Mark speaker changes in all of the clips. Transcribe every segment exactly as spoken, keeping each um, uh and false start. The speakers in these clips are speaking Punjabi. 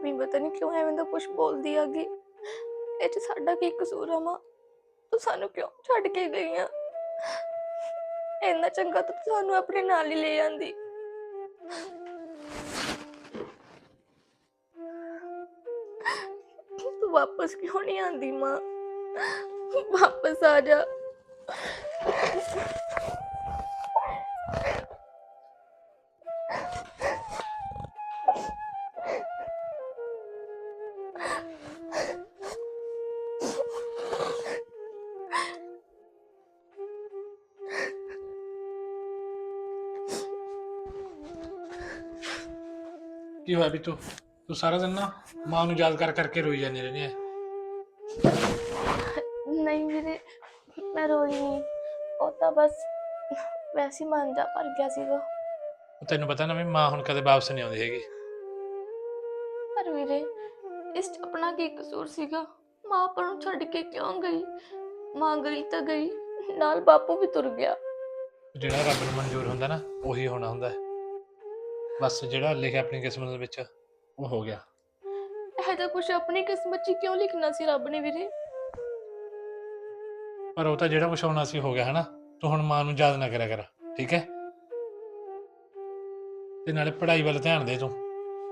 Speaker 1: भाभी पता नहीं क्यों एवें दा कुछ बोलदी आगी। ਇਹ 'ਚ ਸਾਡਾ ਕੀ ਕਸੂਰ ਆ ਮਾਂ? ਤੂੰ ਸਾਨੂੰ ਕਿਉਂ ਛੱਡ ਕੇ ਗਈ ਆ? ਇੰਨਾ ਚੰਗਾ ਤਾਂ ਤੂੰ ਸਾਨੂੰ ਆਪਣੇ ਨਾਲ ਹੀ ਲੈ ਜਾਂਦੀ। ਤੂੰ ਵਾਪਸ ਕਿਉਂ ਨਹੀਂ ਆਂਦੀ ਮਾਂ? ਵਾਪਸ ਆ ਜਾ।
Speaker 2: ਕੀ ਹੋਇਆ ਬਿੱਟੂ? ਤੂੰ ਸਾਰਾ ਦਿਨ ਨਾ ਮਾਂ ਨੂੰ ਯਾਦ ਕਰ ਕਰਕੇ ਰੋਈ ਜਾਂਦੀ ਰਹਿੰਦੀ ਹੈ।
Speaker 1: ਨਹੀਂ ਵੀਰੇ, ਮੈਂ ਰੋਈ ਨਹੀਂ। ਉਹ ਤਾਂ ਬਸ ਵੈਸੇ ਹੀ ਮਨ ਜਾ ਭਰ ਗਿਆ ਸੀਗਾ।
Speaker 2: ਉਹ ਤੈਨੂੰ ਪਤਾ ਨਾ ਵੀ ਮਾਂ ਹੁਣ ਕਦੇ ਵਾਪਸ ਨਹੀਂ ਆਉਂਦੀ ਹੈਗੀ।
Speaker 1: ਪਰ ਵੀਰੇ, ਇਸ 'ਚ ਆਪਣਾ ਕੀ ਕਸੂਰ ਸੀਗਾ? ਮਾਂ ਆਪਾਂ ਨੂੰ ਛੱਡ ਕੇ ਕਿਉਂ ਗਈ? ਮਾਂ ਗਈ ਤਾਂ ਗਈ, ਨਾਲ ਬਾਪੂ ਵੀ ਤੁਰ ਗਿਆ।
Speaker 2: ਜਿਹੜਾ ਰੱਬ ਨੂੰ ਮਨਜ਼ੂਰ ਹੁੰਦਾ ਨਾ ਉਹੀ ਹੋਣਾ ਹੁੰਦਾ ਹੈ। ਬਸ ਜਿਹੜਾ ਲਿਖਿਆ ਆਪਣੀ ਕਿਸਮਤ ਦੇ ਵਿੱਚ ਉਹ ਹੋ ਗਿਆ।
Speaker 1: ਇਹ ਤਾਂ ਕੁਛ ਆਪਣੀ ਕਿਸਮਤ 'ਚ ਕਿਉਂ ਲਿਖਣਾ ਸੀ ਰੱਬ ਨੇ ਵੀਰੇ?
Speaker 2: ਪਰ ਉਹ ਤਾਂ ਜਿਹੜਾ ਕੁਛ ਹੋਣਾ ਸੀ ਹੋ ਗਿਆ ਹੈ ਨਾ। ਤੂੰ ਹੁਣ ਮਾਂ ਨੂੰ ਯਾਦ ਨਾ ਕਰਿਆ ਕਰ, ਠੀਕ ਹੈ? ਤੇ ਨਾਲੇ ਪੜ੍ਹਾਈ ਵੱਲ ਧਿਆਨ ਦੇ ਤੂੰ।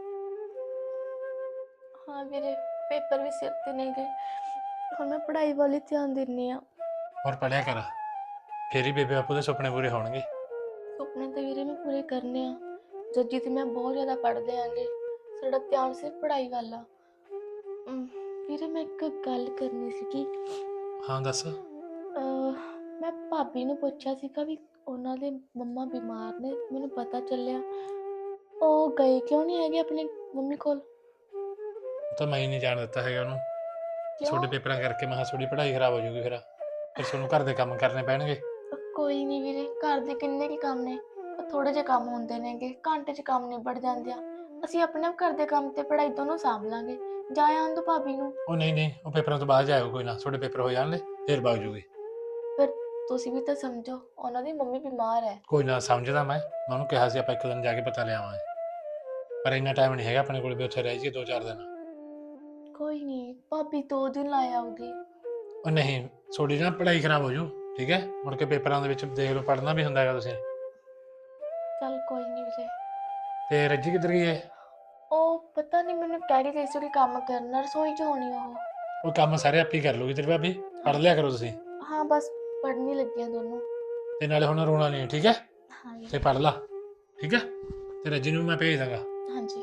Speaker 1: ਹਾਂ ਵੀਰੇ, ਪੇਪਰ ਵੀ ਸਿਰ ਤੇ ਨਹੀਂ ਗਏ, ਹੁਣ ਮੈਂ ਪੜ੍ਹਾਈ ਵੱਲ ਹੀ ਧਿਆਨ ਦਿੰਦੀ ਹਾਂ।
Speaker 2: ਹੋਰ ਪੜ੍ਹਿਆ ਕਰ, ਫੇਰ ਹੀ ਬੇਬੇ ਬਾਪੂ ਦੇ ਸੁਪਨੇ ਪੂਰੇ ਹੋਣਗੇ।
Speaker 1: ਸੁਪਨੇ ਤਾਂ ਵੀਰੇ ਮੈਂ ਪੂਰੇ ਕਰਨੇ ਆ। ਜੱਜੀ ਤੇ ਮੈਂ ਬਹੁਤ ਜ਼ਿਆਦਾ ਪੜ੍ਹਦੇ ਆਂਗੇ, ਸਾਡਾ ਧਿਆਨ ਸਿਰਫ ਪੜ੍ਹਾਈ ਵੱਲ ਆ। ਅਮ, ਵੀਰੇ ਮੈਂ ਇੱਕ ਗੱਲ ਕਰਨੀ ਸੀਗੀ।
Speaker 2: ਹਾਂ ਦੱਸ।
Speaker 1: ਅਹ, ਮੈਂ ਭਾਬੀ ਨੂੰ ਪੁੱਛਿਆ ਸੀਗਾ ਵੀ ਉਹਨਾਂ ਦੇ ਮੰਮਾ ਬਿਮਾਰ ਨੇ। ਮੈਨੂੰ ਪਤਾ ਚੱਲਿਆ ਉਹ ਗਏ ਕਿਉਂ ਨਹੀਂ ਹੈਗੇ ਆਪਣੀ ਮੰਮੀ ਕੋਲ।
Speaker 2: ਉਹ ਤਾਂ ਮੈਂ ਹੀ ਨਹੀਂ ਜਾਣ ਦਿੱਤਾ ਹੈਗਾ ਉਹਨੂੰ। ਛੋਟੇ
Speaker 1: ਕਿਉਂ?
Speaker 2: ਪੇਪਰਾਂ ਕਰਕੇ ਮੈਂ ਕਿਹਾ ਥੋੜੀ ਪੜ੍ਹਾਈ ਖਰਾਬ ਹੋ ਜੂਗੀ। ਫਿਰ ਫਿਰ ਤੁਹਾਨੂੰ ਘਰ ਦੇ ਕੰਮ ਕਰਨੇ ਪੈਣਗੇ।
Speaker 1: ਕੋਈ ਨਹੀਂ ਵੀਰੇ, ਘਰ ਦੇ ਕਿੰਨੇ ਕੀ ਕੰਮ ਨੇ, ਥੋੜੇ ਜਿਹੇ ਕੰਮ ਹੁੰਦੇ ਨੇਗੇ, ਘੰਟੇ 'ਚ ਕੰਮ ਨਿਬੜ ਜਾਂਦੇ ਆ। ਅਸੀਂ ਆਪਣੇ ਆਪ ਘਰ ਦੇ ਕੰਮ ਤੇ ਪੜ੍ਹਾਈ ਦੋਨੋਂ ਸਾਂਭ ਲਾਂਗੇ। ਜਾ ਆਉਣ ਦੋ ਭਾਬੀ ਨੂੰ।
Speaker 2: ਉਹ ਨਹੀਂ ਨਹੀਂ, ਉਹ ਪੇਪਰਾਂ ਤੋਂ ਬਾਅਦ ਜਾਏਗਾ ਕੋਈ ਨਾ। ਤੁਹਾਡੇ ਪੇਪਰ ਹੋ ਜਾਣਗੇ ਫਿਰ ਵਗ ਜੂਗੀ।
Speaker 1: ਫਿਰ ਤੁਸੀਂ ਵੀ ਤਾਂ ਸਮਝੋ, ਉਹਨਾਂ ਦੀ ਮੰਮੀ ਬਿਮਾਰ ਹੈ।
Speaker 2: ਕੋਈ ਨਾ, ਸਮਝਦਾ ਮੈਂ। ਮੈਂ ਉਹਨੂੰ ਕਿਹਾ ਸੀ ਆਪਾਂ ਇੱਕ ਦਿਨ ਜਾ ਕੇ ਪਤਾ ਲਿਆਵਾਂਗੇ, ਪਰ ਇੰਨਾ ਟਾਈਮ ਨਹੀਂ ਹੈਗਾ ਆਪਣੇ ਕੋਲ ਵੀ ਉੱਥੇ ਰਹਿ ਜਾਈਏ ਦੋ ਚਾਰ ਦਿਨ।
Speaker 1: ਕੋਈ ਨਹੀਂ, ਭਾਬੀ ਦੋ ਦਿਨ ਲਾ ਆਊਗੀ।
Speaker 2: ਉਹ ਨਹੀਂ, ਤੁਹਾਡੀ ਨਾ ਪੜ੍ਹਾਈ ਖਰਾਬ ਹੋ ਜੂ, ਠੀਕ ਹੈ? ਮੁੜ ਕੇ ਪੇਪਰਾਂ ਦੇ ਵਿੱਚ ਦੇਖ ਲਓ, ਪੜ੍ਹਨਾ ਵੀ ਹੁੰਦਾ ਹੈਗਾ ਤੁਸੀਂ।
Speaker 1: ਚੱਲ ਕੋਈ ਨਹੀਂ ਵੀਰੇ।
Speaker 2: ਤੇ ਰੱਜੀ ਕਿੱਧਰ ਗਈ ਹੈ?
Speaker 1: ਉਹ ਪਤਾ ਨਹੀਂ, ਮੈਨੂੰ ਕਹਿ ਰਹੀ ਸੀ ਕਿ ਕੰਮ ਕਰਨਾ, ਰਸੋਈ 'ਚ ਹੋਣੀ ਉਹ।
Speaker 2: ਉਹ ਕੰਮ ਸਾਰੇ ਆਪੇ ਕਰ ਲੂਗੀ ਤੇਰੀ ਭਾਬੀ। ਪੜ੍ਹ ਲਿਆ ਕਰੋ ਤੁਸੀਂ।
Speaker 1: ਹਾਂ ਬਸ ਪੜ੍ਹਨੀ ਲੱਗੀਆਂ ਦੋਨੋਂ।
Speaker 2: ਤੇ ਨਾਲੇ ਹੁਣ ਰੋਣਾ ਨਹੀਂ, ਠੀਕ ਹੈ?
Speaker 1: ਹਾਂ
Speaker 2: ਤੇ ਪੜ੍ਹ ਲਾ, ਠੀਕ ਹੈ? ਤੇ ਰੱਜੀ ਨੂੰ ਮੈਂ ਭੇਜ ਦਾਂਗਾ।
Speaker 1: ਹਾਂਜੀ।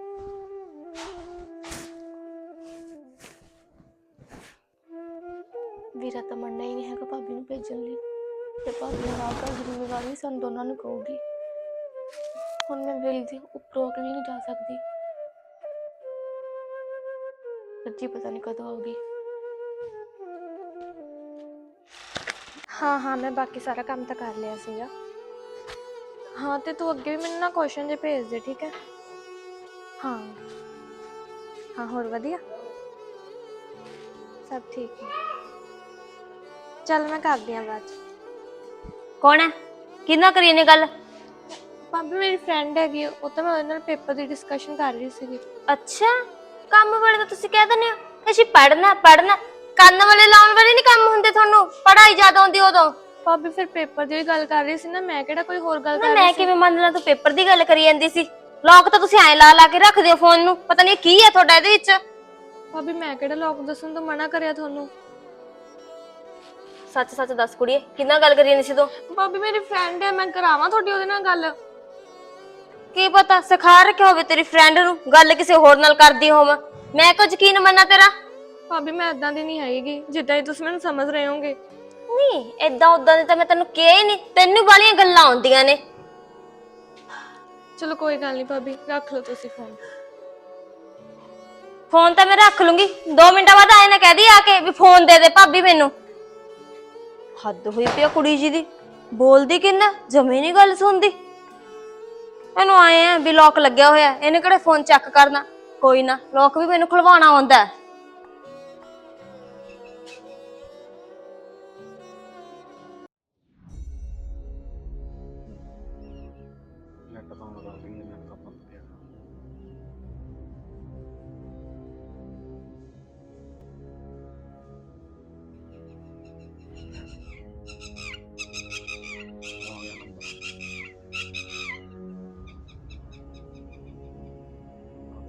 Speaker 1: ਵੀਰਾ ਤਾਂ ਮੰਨਣਾ ਹੀ ਨਹੀਂ ਹੈਗਾ ਭਾਬੀ ਨੂੰ ਭੇਜਣ ਲਈ, ਤੇ ਭਾਬੀ ਨੂੰ ਨਾ ਕਰ ਜ਼ਿੰਮੇਵਾਰੀ ਸਾਨੂੰ ਦੋਨਾਂ ਨੂੰ ਕਹੂਗੀ। ਹੁਣ ਮੈਂ ਵਿਲ ਦੀ ਉੱਪਰੋਂ ਵੀ ਨਹੀਂ ਜਾ ਸਕਦੀ। ਸੱਚੀ ਪਤਾ ਨਹੀਂ ਕਦੋਂ ਆਊਗੀ। ਹਾਂ ਹਾਂ, ਮੈਂ ਬਾਕੀ ਸਾਰਾ ਕੰਮ ਤਾਂ ਕਰ ਲਿਆ ਸੀਗਾ। ਹਾਂ, ਤੇ ਤੂੰ ਅੱਗੇ ਵੀ ਮੈਨੂੰ ਨਾ ਕੁਐਸਚਨ ਜੇ ਭੇਜ ਦੇ, ਠੀਕ ਹੈ? ਹਾਂ ਹਾਂ, ਹੋਰ ਵਧੀਆ ਸਭ ਠੀਕ ਹੈ। ਚੱਲ ਮੈਂ ਕਰਦੀ ਹਾਂ ਬਾਅਦ 'ਚ।
Speaker 3: ਕੌਣ ਹੈ? ਕਿਹਨਾਂ ਕਰੀ ਨੇ ਗੱਲ?
Speaker 1: ਭਾਬੀ ਮੇਰੀ ਫਰੈਂਡ ਹੈਗੀ, ਉਹ ਤਾਂ ਮੈਂ ਉਹਦੇ ਨਾਲ ਪੇਪਰ ਦੀ ਡਿਸਕਸ਼ਨ ਕਰ ਰਹੀ ਸੀਗੀ।
Speaker 3: ਅੱਛਾ, ਕੰਮ ਵਾਲੇ ਤਾਂ ਤੁਸੀਂ ਕਹਿ ਦਿੰਦੇ ਹੋ ਅਸੀਂ ਪੜ੍ਹਨਾ ਪੜ੍ਹਨਾ। ਕੰਨ ਵਾਲੇ ਲਾਉਣ ਵਾਲੇ ਨਹੀਂ ਕੰਮ ਹੁੰਦੇ ਤੁਹਾਨੂੰ? ਪੜ੍ਹਾਈ ਜ਼ਿਆਦਾ ਆਉਂਦੀ ਉਦੋਂ।
Speaker 1: ਭਾਬੀ ਫਿਰ ਪੇਪਰ ਦੀ ਵੀ ਗੱਲ ਕਰ ਰਹੀ ਸੀ ਨਾ, ਮੈਂ ਕਿਹੜਾ ਕੋਈ ਹੋਰ ਗੱਲ
Speaker 3: ਨਾ
Speaker 1: ਕਰ
Speaker 3: ਮੈਂ
Speaker 1: ਰਹੀ ਸੀ।
Speaker 3: ਕਿਵੇਂ ਮੰਨ ਲਾਂ? ਤੂੰ ਪੇਪਰ ਦੀ ਗੱਲ ਕਰੀ ਜਾਂਦੀ ਸੀ। ਲੋਕ ਤਾਂ ਤੁਸੀਂ ਐਂ ਲਾ ਲਾ ਕੇ ਰੱਖਦੇ ਹੋ ਫੋਨ ਨੂੰ, ਪਤਾ ਨਹੀਂ ਕੀ ਹੈ ਤੁਹਾਡਾ ਇਹਦੇ ਵਿੱਚ।
Speaker 1: ਭਾਬੀ ਮੈਂ ਕਿਹੜਾ ਲੋਕ ਦੱਸਣ ਤੋਂ ਮਨਾ ਕਰਿਆ ਤੁਹਾਨੂੰ?
Speaker 3: ਸੱਚ ਸੱਚ ਦੱਸ ਕੁੜੀਏ, ਕਿੰਨਾ ਗੱਲ ਕਰੀ ਜਾਂਦੀ ਸੀ ਤੂੰ?
Speaker 1: ਭਾਬੀ ਮੇਰੀ ਫਰੈਂਡ ਹੈ, ਮੈਂ ਕਰਾਵਾਂ ਤੁਹਾਡੀ ਉਹਦੇ ਨਾਲ ਗੱਲ?
Speaker 3: ਕੀ ਪਤਾ ਸਿਖਾ ਰੱਖਿਆ ਹੋਵੇ ਤੇਰੀ ਫਰੈਂਡ ਨੂੰ, ਗੱਲ ਕਿਸੇ ਹੋਰ ਨਾਲ ਕਰਦੀ ਹੋਵਾਂ। ਮੈਂ ਕੁਝ ਯਕੀਨ ਮੰਨਾਂ ਤੇਰਾ?
Speaker 1: ਭਾਬੀ ਮੈਂ ਏਦਾਂ ਦੀ ਨਹੀਂ ਹੈਗੀ ਜਿੱਦਾਂ ਹੀ ਤੁਸੀਂ ਮੈਨੂੰ ਸਮਝ ਰਹੇ ਹੋਗੇ।
Speaker 3: ਨਹੀਂ ਏਦਾਂ ਉਦਾਂ ਦੀ ਤਾਂ ਮੈਂ ਤੈਨੂੰ ਕਿਹਾ ਹੀ ਨਹੀਂ, ਤੈਨੂੰ ਵਾਲੀਆਂ ਗੱਲਾਂ ਆਉਂਦੀਆਂ ਨੇ।
Speaker 1: ਚਲੋ ਕੋਈ ਗੱਲ ਨਹੀਂ ਭਾਬੀ, ਰੱਖ ਲਓ ਤੁਸੀਂ ਫੋਨ।
Speaker 3: ਫੋਨ ਤਾਂ ਮੈਂ ਰੱਖ ਲੂੰਗੀ, ਦੋ ਮਿੰਟਾਂ ਬਾਅਦ ਆਏ ਨਾ ਕਹਿ ਦੀ ਆ ਕੇ ਵੀ ਫੋਨ ਦੇ ਦੇ ਭਾਬੀ ਮੈਨੂੰ। ਹੱਦ ਹੋਈ ਪਈ ਆ ਕੁੜੀ ਜੀ ਦੀ, ਬੋਲਦੀ ਕਿੰਨਾ, ਜਮੇ ਨਹੀਂ ਗੱਲ ਸੁਣਦੀ। ਇਹਨੂੰ ਆਏ ਆ ਵੀ ਲੋਕ ਲੱਗਿਆ ਹੋਇਆ, ਇਹਨੇ ਕਿਹੜੇ ਫੋਨ ਚੈੱਕ ਕਰਨਾ। ਕੋਈ ਨਾ, ਲੋਕ ਵੀ ਮੈਨੂੰ ਖੁਲਵਾਉਣਾ ਆਉਂਦਾ।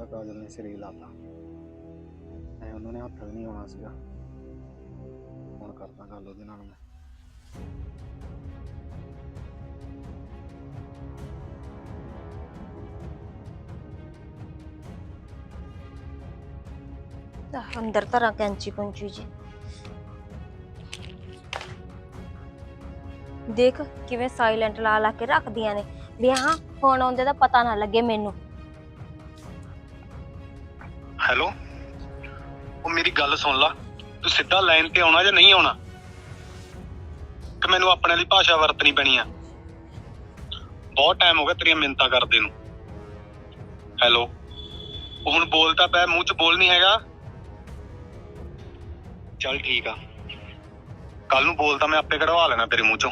Speaker 4: ਕਾਜਲ ਨੇ ਸਿਰੇ ਹੀ ਲਾਤਾ ਐ ਉਹਨਾਂ ਨੇ ਹੱਥ ਵੀ ਨਹੀਂ ਆਉਣਾ ਸੀਗਾ। ਹੁਣ ਕਰਦਾ ਗੱਲ ਉਹਦੇ ਨਾਲ ਮੈਂ।
Speaker 3: ਤਾਂ ਅੰਦਰ ਧਰਾਂ ਕੈਂਚੀ ਕੁੰਚੀ ਜੀ। ਦੇਖ ਕਿਵੇਂ ਸਾਇਲੈਂਟ ਲਾ ਲਾ ਕੇ ਰੱਖਦੀਆਂ ਨੇ ਵੀ ਹਾਂ ਫੋਨ ਆਉਂਦੇ ਦਾ ਪਤਾ ਨਾ ਲੱਗੇ ਮੈਨੂੰ।
Speaker 4: ਹੈਲੋ, ਉਹ ਮੇਰੀ ਗੱਲ ਸੁਣ ਲਾ, ਤੂੰ ਸਿੱਧਾ ਲਾਈਨ ਤੇ ਆਉਣਾ ਜਾਂ ਨਹੀਂ ਆਉਣਾ ਕਿ ਮੈਨੂੰ ਆਪਣੇ ਲਈ ਭਾਸ਼ਾ ਵਰਤਣੀ ਪੈਣੀ ਆ। ਬਹੁਤ ਟਾਈਮ ਹੋ ਗਿਆ ਤੇਰੀਆਂ ਮਿੰਨਤਾਂ ਕਰਦੇ ਨੂੰ। ਹੈਲੋ, ਉਹ ਹੁਣ ਬੋਲਦਾ ਪਿਆ, ਮੂੰਹ 'ਚ ਬੋਲ ਨਹੀਂ ਹੈਗਾ। ਚੱਲ ਠੀਕ ਆ, ਕੱਲ ਨੂੰ ਬੋਲਦਾ ਮੈਂ ਆਪੇ ਕਢਵਾ ਲੈਣਾ ਤੇਰੇ ਮੂੰਹ 'ਚੋਂ।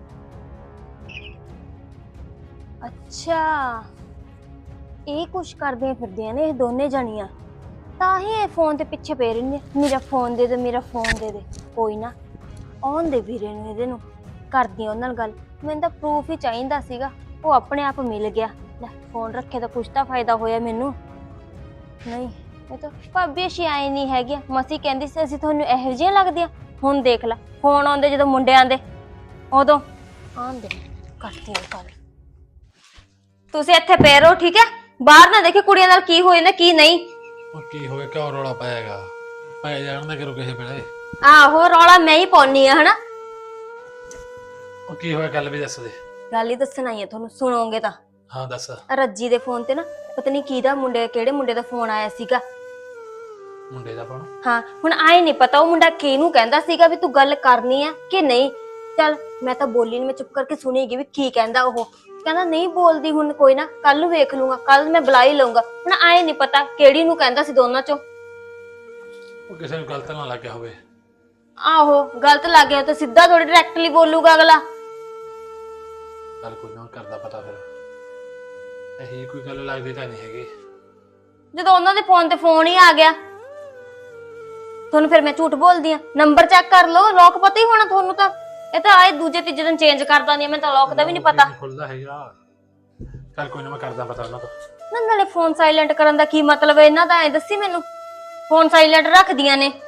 Speaker 3: ਅੱਛਾ ਇਹ ਕੁਛ ਕਰਦੀਆਂ ਫਿਰਦੀਆਂ ਨੇ ਇਹ ਦੋਨੇ ਜਣੀਆਂ, ਤਾਂ ਹੀ ਇਹ ਫੋਨ ਤੇ ਪਿੱਛੇ ਪੈ ਰਹਿੰਦੇ ਮੇਰਾ ਫੋਨ ਦੇ ਦੇ ਮੇਰਾ ਫੋਨ ਦੇ ਦੇ। ਕੋਈ ਨਾ ਆਉਣ ਦੇ ਵੀਰੇ ਨੂੰ, ਇਹਦੇ ਨੂੰ ਕਰਦੀ ਉਹਨਾਂ ਨਾਲ ਗੱਲ। ਮੈਨੂੰ ਤਾਂ ਪ੍ਰੂਫ ਹੀ ਚਾਹੀਦਾ ਸੀਗਾ, ਉਹ ਆਪਣੇ ਆਪ ਮਿਲ ਗਿਆ। ਲੈ ਫੋਨ ਰੱਖੇ ਤਾਂ ਕੁਛ ਤਾਂ ਫਾਇਦਾ ਹੋਇਆ ਮੈਨੂੰ। ਨਹੀਂ ਇਹ ਤਾਂ ਭਾਬੀ ਅਸੀਂ ਆਏ ਨਹੀਂ ਹੈਗੇ, ਮਸੀ ਕਹਿੰਦੀ ਸੀ ਅਸੀਂ ਤੁਹਾਨੂੰ ਇਹੋ ਜਿਹੀਆਂ ਲੱਗਦੀਆਂ। ਹੁਣ ਦੇਖ ਲੈ ਫੋਨ ਆਉਂਦੇ ਜਦੋਂ ਮੁੰਡਿਆਂ ਦੇ, ਉਦੋਂ ਆਉਂਦੇ ਕਰਦੀ ਹਾਂ ਗੱਲ। ਤੁਸੀਂ ਇੱਥੇ ਪਏ ਰਹੋ ਠੀਕ ਹੈ, ਬਾਹਰ ਨਾ ਦੇਖੇ ਕੁੜੀਆਂ ਨਾਲ ਕੀ ਹੋ ਜਾਂਦਾ ਕੀ ਨਹੀਂ।
Speaker 2: ਉਹ ਕੀ ਹੋਇਆ, ਕਿਉਂ ਰੌਲਾ ਪਾਏਗਾ? ਪੈ ਜਾਣ ਦਾ ਕਰੋ ਕਿਸੇ ਵੇਲੇ।
Speaker 3: ਆਹੋ ਰੌਲਾ ਮੈਂ ਹੀ ਪਾਉਣੀ ਆ ਹਨਾ।
Speaker 2: ਉਹ ਕੀ ਹੋਇਆ, ਗੱਲ ਵੀ ਦੱਸ ਦੇ।
Speaker 3: ਗੱਲ ਹੀ ਦੱਸਣ ਆਈ ਆ ਤੁਹਾਨੂੰ, ਸੁਣੋਗੇ ਤਾਂ।
Speaker 2: ਹਾਂ ਦੱਸ।
Speaker 3: ਰੱਜੀ ਦੇ ਫੋਨ ਤੇ ਨਾ ਪਤਾ ਨਹੀਂ ਕਿਹਦਾ ਮੁੰਡੇ ਕਿਹੜੇ ਮੁੰਡੇ ਦਾ ਫੋਨ ਆਇਆ ਸੀਗਾ।
Speaker 2: ਮੁੰਡੇ ਦਾ ਫੋਨ?
Speaker 3: ਹਾਂ ਹੁਣ ਆਏ ਨਹੀਂ ਪਤਾ ਉਹ ਮੁੰਡਾ ਕਿਹਨੂੰ ਕਹਿੰਦਾ ਸੀਗਾ ਵੀ ਤੂੰ ਗੱਲ ਕਰਨੀ ਆ ਕਿ ਨਹੀਂ। ਚੱਲ ਮੈਂ ਤਾਂ ਬੋਲੀ ਨੀ, ਮੈਂ ਚੁੱਪ ਕਰਕੇ ਸੁਣੀਗੀ ਵੀ ਕੀ ਕਹਿੰਦਾ। ਉਹ ਕਹਿੰਦਾ ਨਹੀਂ ਬੋਲਦੀ ਹੁਣ, ਕੋਈ ਨਾ ਕੱਲ ਨੂੰ ਵੇਖ ਲੂੰਗਾ, ਕੱਲ ਮੈਂ ਬੁਲਾ ਹੀ ਲਊਂਗਾ। ਹੁਣ ਆਏ ਨਹੀਂ ਪਤਾ ਕਿਹੜੀ ਨੂੰ ਕਹਿੰਦਾ ਸੀ ਦੋਨਾਂ ਚੋਂ।
Speaker 2: ਉਹ ਕਿਸੇ ਨੂੰ ਗਲਤ ਨਾ ਲੱਗਿਆ ਹੋਵੇ।
Speaker 3: ਆਹੋ ਗਲਤ ਲੱਗ ਗਿਆ ਤਾਂ ਸਿੱਧਾ ਥੋੜੀ ਡਾਇਰੈਕਟਲੀ ਬੋਲੂਗਾ ਅਗਲਾ।
Speaker 2: ਚੱਲ ਕੋਈ ਨਾ ਕਰਦਾ ਪਤਾ ਫਿਰ। ਇਹੀ ਕੋਈ ਗੱਲ ਲੱਗਦੀ ਤਾਂ ਨਹੀਂ ਹੈਗੀ।
Speaker 3: ਜਦੋਂ ਉਹਨਾਂ ਦੇ ਫੋਨ ਤੇ ਫੋਨ ਹੀ ਆ ਗਿਆ ਤੁਹਾਨੂੰ, ਫਿਰ ਮੈਂ ਝੂਠ ਬੋਲਦੀ ਆ? ਨੰਬਰ ਚੈੱਕ ਕਰ ਲਓ, ਲੋਕ ਪਤਾ ਹੀ ਹੋਣਾ ਤੁਹਾਨੂੰ ਤਾਂ। ਇਹ ਤਾਂ ਆਏ ਦੂਜੇ ਤੀਜੇ ਦਿਨ ਚੇਂਜ ਕਰ ਦਿੰਦੀ ਆ, ਮੈਨੂੰ ਤਾਂ ਲੋਕ ਦਾ ਵੀ ਨਹੀਂ ਪਤਾ।
Speaker 2: ਖੁੱਲਦਾ ਹੈਗਾ। ਚੱਲ ਕੋਈ ਨਾ ਮੈਂ ਕਰਦਾ ਪਤਾ ਉਹਨਾਂ ਤੋਂ।
Speaker 3: ਨਾ ਨਾਲੇ ਫੋਨ ਸਾਇਲੈਂਟ ਕਰਨ ਦਾ ਕੀ ਮਤਲਬ ਹੈ ਇਹਨਾਂ ਦਾ, ਐ ਦੱਸੀ ਮੈਨੂੰ। ਫੋਨ ਸਾਇਲੈਂਟ ਰੱਖਦੀਆਂ ਨੇ।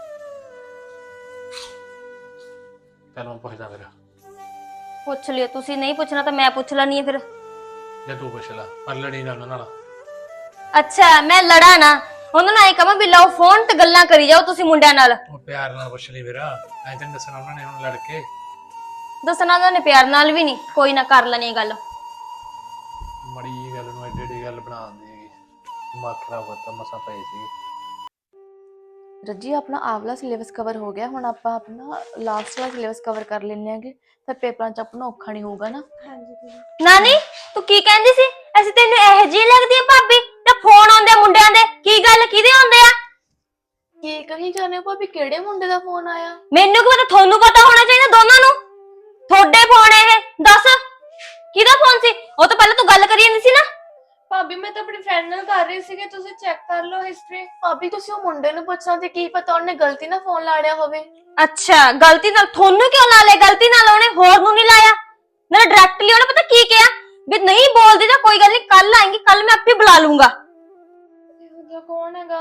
Speaker 2: ਚੱਲ ਮੈਂ ਪੁੱਛਦਾ ਫਿਰ।
Speaker 3: ਪੁੱਛ ਲਿਓ, ਤੁਸੀਂ ਨਹੀਂ ਪੁੱਛਣਾ ਤਾਂ ਮੈਂ ਪੁੱਛ ਲੈਣੀ ਆ ਫਿਰ।
Speaker 2: ਜੇ ਤੂੰ ਪੁੱਛ ਲੈ, ਪਰ ਲੜੀ ਨਾ ਉਹਨਾਂ ਨਾਲ।
Speaker 3: ਅੱਛਾ ਮੈਂ ਲੜਾ ਨਾ ਉਹਨਾਂ ਨਾਲ, ਇਹ ਕਹਾਂ ਵੀ ਲਓ ਫੋਨ ਤੇ ਗੱਲਾਂ ਕਰੀ ਜਾਓ ਤੁਸੀਂ ਮੁੰਡਿਆਂ ਨਾਲ।
Speaker 2: ਉਹ ਪਿਆਰ ਨਾਲ ਪੁੱਛ ਲਈ ਫਿਰ, ਐਂ ਤੈਨੂੰ ਦੱਸਣਾ ਉਹਨਾਂ ਨੇ ਹੁਣ ਲੜ ਕੇ।
Speaker 3: ਦੱਸਣਾ ਉਹਨਾਂ ਨੇ ਪਿਆਰ ਨਾਲ ਵੀ ਨਹੀਂ, ਕੋਈ ਨਾ ਕਰ ਲੈਣੀ ਗੱਲ।
Speaker 2: ਮੜੀ ਜੀ ਗੱਲ ਨੂੰ ਐਡੀ ਐਡੀ ਗੱਲ ਬਣਾ ਦਿੰਦੀ ਹੈਗੀ। ਦਿਮਾਗ ਖਰਾਬ ਕਰਤਾ, ਮਸਾਂ ਪਏ ਸੀ।
Speaker 1: ਰੱਜੀ ਆਪਣਾ ਆਵਲਾ ਸਿਲੇਬਸ ਕਵਰ ਹੋ ਗਿਆ, ਹੁਣ ਆਪਾਂ ਆਪਣਾ ਲਾਸਟ ਵਾਲਾ ਸਿਲੇਬਸ ਕਵਰ ਕਰ ਲੈਣੇ ਆਂਗੇ, ਫਿਰ ਪੇਪਰਾਂ 'ਚ ਆਪਣਾ ਔਖਾ ਨਹੀਂ ਹੋਊਗਾ ਨਾ। ਹਾਂਜੀ
Speaker 3: ਨਾਨੀ ਤੂੰ ਕੀ ਕਹਿੰਦੀ ਸੀ? ਅਸੀਂ ਤੈਨੂੰ ਇਹੋ ਜਿਹੀ ਲੱਗਦੀ ਆ ਭਾਬੀ ਤੇ ਫੋਨ ਆਉਂਦੇ ਮੁੰਡਿਆਂ ਦੇ? ਕੀ ਗੱਲ ਕਿਹਦੇ ਆਉਂਦੇ ਆ?
Speaker 1: ਕੀ ਕਹੀ ਜਾਂਦੇ ਹੋ ਭਾਬੀ, ਕਿਹੜੇ ਮੁੰਡੇ ਦਾ ਫੋਨ ਆਇਆ?
Speaker 3: ਮੈਨੂੰ ਕੀ ਪਤਾ, ਤੁਹਾਨੂੰ ਪਤਾ ਹੋਣਾ ਚਾਹੀਦਾ ਦੋਨਾਂ ਨੂੰ। ਤੁਹਾਡੇ ਫੋਨ ਇਹ ਦੱਸ ਕਿਹਦਾ ਫੋਨ ਸੀ? ਉਹ ਤਾਂ ਪਹਿਲਾਂ ਤੂੰ ਗੱਲ ਕਰੀ ਜਾਂਦੀ ਸੀ ਨਾ।
Speaker 1: ਭਾਬੀ ਮੈਂ ਤਾਂ ਆਪਣੀ ਫਰੈਂਡ ਨਾਲ ਕਰ ਰਹੀ ਸੀਗੀ, ਤੁਸੀਂ ਚੈੱਕ ਕਰ ਲਓ ਹਿਸਟਰੀ। ਭਾਬੀ ਤੁਸੀਂ ਉਹ ਮੁੰਡੇ ਨੂੰ ਪੁੱਛਣਾ ਸੀ, ਕੀ ਪਤਾ ਉਹਨੇ ਗਲਤੀ ਨਾਲ ਫੋਨ ਲਾ ਲਿਆ ਹੋਵੇ।
Speaker 3: ਅੱਛਾ ਗਲਤੀ ਨਾਲ? ਤੁਹਾਨੂੰ ਕਿਉਂ ਲਾ ਲਿਆ ਗਲਤੀ ਨਾਲ? ਉਹਨੇ ਹੋਰ ਨੂੰ ਨਹੀਂ ਲਾਇਆ, ਨਾਲੇ ਡਾਇਰੈਕਟਲੀ ਉਹਨੇ ਪਤਾ ਕੀ ਕਿਹਾ ਵੀ ਨਹੀਂ ਬੋਲਦੀ ਤਾਂ ਕੋਈ ਗੱਲ ਨਹੀਂ, ਕੱਲ ਆਏਂਗੀ, ਕੱਲ ਮੈਂ ਆਪੇ ਬੁਲਾ ਲੂੰਗਾ।
Speaker 1: ਇਹੋ ਕੌਣ ਹੈਗਾ?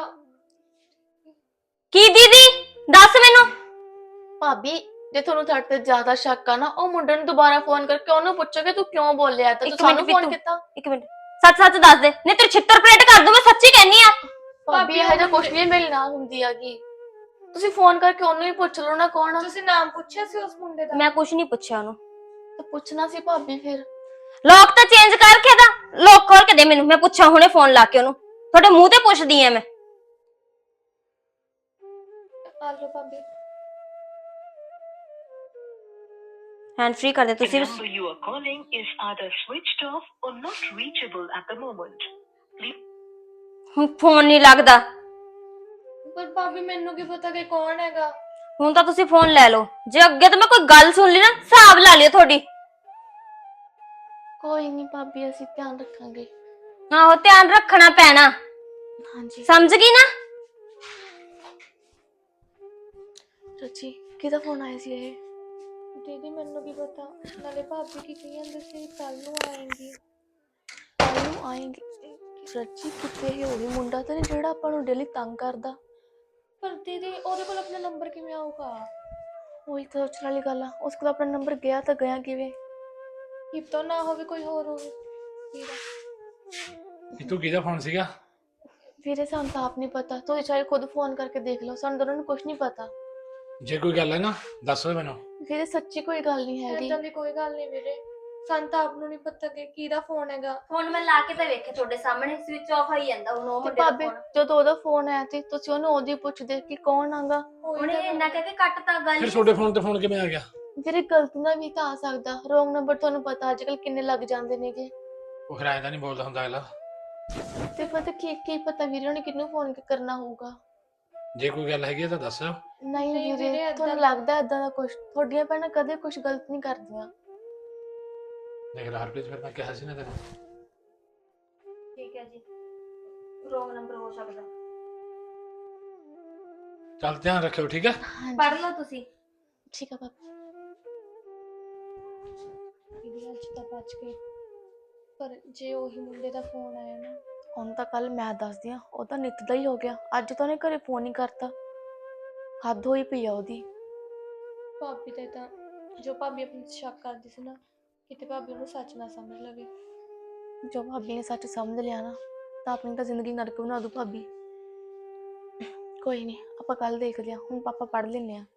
Speaker 3: ਕੀ ਦੀਦੀ ਦੱਸ ਮੈਨੂੰ।
Speaker 1: ਭਾਬੀ ਜੇ ਤੁਹਾਨੂੰ ਤੁਹਾਡੇ ਤੇ ਜ਼ਿਆਦਾ ਸ਼ੱਕ ਆ ਨਾ, ਉਹ ਮੁੰਡੇ ਨੂੰ ਦੁਬਾਰਾ ਫੋਨ ਕਰਕੇ ਉਹਨੂੰ ਪੁੱਛੋਗੇ ਤੂੰ ਕਿਉਂ ਬੋਲਿਆ, ਤਾਂ ਤੂੰ ਸਾਨੂੰ ਫੋਨ ਕੀਤਾ।
Speaker 3: ਇੱਕ ਮਿੰਟ ਸੱਚ ਸੱਚ ਦੱਸ ਦੇ, ਨਹੀਂ ਤੇਰੇ ਛਿੱਤਰ ਪਲੇਟ ਕਰ ਦੂੰ ਮੈਂ, ਸੱਚੀ ਕਹਿੰਨੀ ਆ।
Speaker 1: ਭਾਬੀ ਇਹੋ ਜਿਹਾ ਕੁਛ ਨਹੀਂ ਮੇਰੇ ਨਾਲ ਹੁੰਦੀ ਹੈਗੀ, ਤੁਸੀਂ ਫੋਨ ਕਰਕੇ ਉਹਨੂੰ ਹੀ ਪੁੱਛ ਲਓ ਨਾ ਕੌਣ ਆ। ਤੁਸੀਂ ਨਾਮ ਪੁੱਛਿਆ ਸੀ ਉਸ ਮੁੰਡੇ ਦਾ?
Speaker 3: ਮੈਂ ਕੁਛ ਨਹੀਂ ਪੁੱਛਿਆ ਉਹਨੂੰ।
Speaker 1: ਤਾਂ ਪੁੱਛਣਾ ਸੀ ਭਾਬੀ ਫਿਰ।
Speaker 3: ਲੋਕ ਤਾਂ ਚੇਂਜ ਕਰਕੇ ਦਾ, ਲੋਕ ਖੋਲ ਕੇ ਦੇ ਮੈਨੂੰ, ਮੈਂ ਪੁੱਛਾਂ ਹੁਣੇ ਫੋਨ ਲਾ ਕੇ ਉਹਨੂੰ। ਤੁਹਾਡੇ ਮੂੰਹ ਤੇ ਪੁੱਛਦੀ ਆ ਮੈਂ।
Speaker 1: ਆ ਲਓ ਭਾਬੀ।
Speaker 3: हैंड फ्री कर दे तुसी।
Speaker 5: The number you are calling is either switched off or not reachable at the moment.
Speaker 3: ਹੁਣ ਫੋਨ ਨਹੀਂ ਲੱਗਦਾ।
Speaker 1: ਪਰ ਭਾਬੀ ਮੈਨੂੰ ਕੀ ਪਤਾ ਕਿ ਕੌਣ ਹੈਗਾ।
Speaker 3: ਹੁਣ ਤਾਂ ਤੁਸੀਂ ਫੋਨ ਲੈ ਲਓ, ਜੇ ਅੱਗੇ ਤੋਂ ਮੈਂ ਕੋਈ ਗੱਲ ਸੁਣ ਲਈ ਨਾ ਹਿਸਾਬ ਲਾ ਲਿਓ ਤੁਹਾਡੀ।
Speaker 1: ਕੋਈ ਨਹੀਂ ਭਾਬੀ ਅਸੀਂ ਧਿਆਨ ਰੱਖਾਂਗੇ।
Speaker 3: ਆਹੋ ਧਿਆਨ ਰੱਖਣਾ ਪੈਣਾ।
Speaker 1: ਹਾਂਜੀ
Speaker 3: ਸਮਝ ਗਈ ਨਾ।
Speaker 1: ਰੱਜੀ ਕਿਹਦਾ ਫੋਨ ਆਇਆ ਸੀ ਇਹ? ਦੀਦੀ ਮੈਨੂੰ ਕੀ ਪਤਾ, ਨਾਲੇ ਭਾਬੀ ਕੀ ਕਹੀ ਜਾਂਦੇ ਸੀ ਕੱਲ ਨੂੰ ਆਏਂਗੀ ਕੱਲ ਨੂੰ ਆਏਂਗੀ। ਸੱਚੀ ਕਿਤੇ ਇਹ ਉਹੀ ਮੁੰਡਾ ਤਾਂ ਨਹੀਂ ਜਿਹੜਾ ਆਪਾਂ ਨੂੰ ਡੇਲੀ ਤੰਗ ਕਰਦਾ।
Speaker 6: ਪਰ ਦੀਦੀ ਉਹਦੇ ਕੋਲ ਆਪਣਾ ਨੰਬਰ ਕਿਵੇਂ ਆਊਗਾ?
Speaker 1: ਉਹੀ ਤਾਂ ਸੋਚਣ ਵਾਲੀ ਗੱਲ ਆ, ਉਸ ਕੋਲ ਆਪਣਾ ਨੰਬਰ ਗਿਆ ਤਾਂ ਗਿਆ ਕਿਵੇਂ?
Speaker 6: ਕੀ ਪਤਾ ਨਾ ਹੋਵੇ ਕੋਈ ਹੋਰ ਹੋਵੇ ਵੀਰਾ।
Speaker 2: ਇਹ ਤੂੰ ਕਿਹਦਾ ਫੋਨ ਸੀਗਾ?
Speaker 1: ਵੀਰੇ ਸਾਨੂੰ ਤਾਂ ਆਪ ਨਹੀਂ ਪਤਾ, ਤੁਸੀਂ ਚਾਹੇ ਖੁਦ ਫੋਨ ਕਰਕੇ ਦੇਖ ਲਓ, ਸਾਨੂੰ ਦੋਨਾਂ ਨੂੰ ਕੁਝ ਨਹੀਂ ਪਤਾ।
Speaker 2: ਜੇ ਕੋਈ ਗੱਲ ਹੈ ਨਾ ਦੱਸ ਦੇ ਮੈਨੂੰ।
Speaker 1: ਵੀਰੇ ਸੱਚੀ ਕੋਈ ਗੱਲ ਨਹੀਂ ਹੈਗੀ।
Speaker 6: ਏਦਾਂ ਦੀ ਕੋਈ ਗੱਲ ਨਹੀਂ ਵੀਰੇ, ਸਾਨੂੰ ਤਾਂ ਆਪ ਨੂੰ ਨਹੀਂ ਪਤਾ ਕਿ ਕਿਹਦਾ ਫੋਨ ਹੈਗਾ।
Speaker 3: ਫੋਨ ਮੈਂ ਲਾ ਕੇ ਤਾਂ ਵੇਖਿਆ ਤੁਹਾਡੇ ਸਾਹਮਣੇ ਸਵਿਚ ਆਫ ਆਈ ਜਾਂਦਾ ਹੁਣ ਉਹ
Speaker 1: ਤੇ
Speaker 3: ਮੁੰਡੇ ਦਾ
Speaker 1: ਭਾਬੀ
Speaker 3: ਫੋਨ।
Speaker 1: ਜਦੋਂ ਉਹਦਾ ਫੋਨ ਆਇਆ ਸੀ ਤੁਸੀਂ ਉਹਨੂੰ ਉਹਦੀ ਪੁੱਛਦੇ ਕਿ ਕੌਣ ਆਗਾ।
Speaker 3: ਉਹਨੇ ਇੰਨਾ ਕਹਿ ਕੇ ਕੱਟਤਾ ਗੱਲ।
Speaker 2: ਫਿਰ ਤੁਹਾਡੇ ਫੋਨ ਤੇ ਫੋਨ ਕਿਵੇਂ ਆ ਗਿਆ?
Speaker 1: ਵੀਰੇ ਗਲਤੀ ਨਾਲ ਵੀ ਤਾਂ ਆ ਸਕਦਾ, ਰੋਂਗ ਨੰਬਰ ਤੁਹਾਨੂੰ ਪਤਾ ਅੱਜ ਕੱਲ ਕਿੰਨੇ ਲੱਗ ਜਾਂਦੇ ਨੇਗੇ।
Speaker 2: ਉਹ ਫਿਰ ਐਂ ਤਾਂ ਨਹੀਂ ਬੋਲਦਾ ਹੁੰਦਾ ਅਗਲਾ।
Speaker 1: ਤੇ ਪਤਾ ਕੀ ਕੀ ਪਤਾ ਵੀਰੇ ਉਹਨੇ ਕਿਹਨੂੰ ਫੋਨ ਕਰਨਾ ਹੋਊਗਾ।
Speaker 2: ਜੇ ਕੋਈ ਗੱਲ ਹੈਗੀ ਤਾਂ ਦੱਸ।
Speaker 1: ਨਹੀਂ
Speaker 6: ਨਹੀਂ
Speaker 1: ਵੀਰੇ
Speaker 6: ਵੀਰੇ,
Speaker 1: ਤੁਹਾਨੂੰ
Speaker 6: ਏਦਾਂ-
Speaker 1: ਲੱਗਦਾ ਏਦਾਂ ਦਾ ਕੁਝ? ਤੁਹਾਡੀਆਂ ਭੈਣਾਂ ਕਦੇ ਕੁਝ ਗਲਤ ਨਹੀਂ ਕਰਦੀਆਂ।
Speaker 2: ਦੇਖ ਲੈ ਹਰਪ੍ਰੀਤ, ਫਿਰ ਮੈਂ ਕਿਹਾ ਸੀ ਨਾ ਤੈਨੂੰ।
Speaker 3: ਠੀਕ ਹੈ ਜੀ, ਰੋਂਗ ਨੰਬਰ ਹੋ ਸਕਦਾ।
Speaker 2: ਚੱਲ ਧਿਆਨ ਰੱਖਿਓ, ਠੀਕ ਹੈ?
Speaker 3: ਪੜ੍ਹ ਲਓ ਤੁਸੀਂ।
Speaker 1: ਠੀਕ ਆ ਪਾਪਾ।
Speaker 6: ਦੀਦੀ ਅੱਜ ਤਾਂ ਬਚ ਗਏ, ਪਰ ਜੇ ਉਹੀ ਮੁੰਡੇ ਦਾ ਫੋਨ ਆਇਆ ਨਾ।
Speaker 1: ਹੁਣ ਤਾਂ ਕੱਲ ਮੈਂ ਦੱਸਦੀ ਆ, ਉਹ ਤਾਂ ਨਿੱਤ ਦਾ ਹੀ ਹੋ ਗਿਆ। ਅੱਜ ਤਾਂ ਉਹਨੇ ਘਰੇ ਫੋਨ ਹੀ ਕਰਤਾ। ਹੱਦ ਹੋਈ ਪਈ ਆ ਉਹਦੀ।
Speaker 6: ਭਾਬੀ ਤੇ ਤਾਂ ਜੋ ਭਾਬੀ ਆਪਣੀ ਤੇ ਸ਼ੱਕ ਕਰਦੀ ਸੀ ਨਾ, ਕਿਤੇ ਭਾਬੀ ਉਹਨੂੰ ਸੱਚ ਨਾ ਸਮਝ ਲਵੇ।
Speaker 1: ਜੋ ਭਾਬੀ ਨੇ ਸੱਚ ਸਮਝ ਲਿਆ ਨਾ ਤਾਂ ਆਪਣੀ ਤਾਂ ਜ਼ਿੰਦਗੀ ਨਰਕ ਬਣਾ ਦੂ ਭਾਬੀ। ਕੋਈ ਨਹੀਂ, ਆਪਾਂ ਕੱਲ ਦੇਖਦੇ ਆ। ਹੁਣ ਪਾਪਾ ਪੜ੍ਹ ਲੈਂਦੇ ਆ।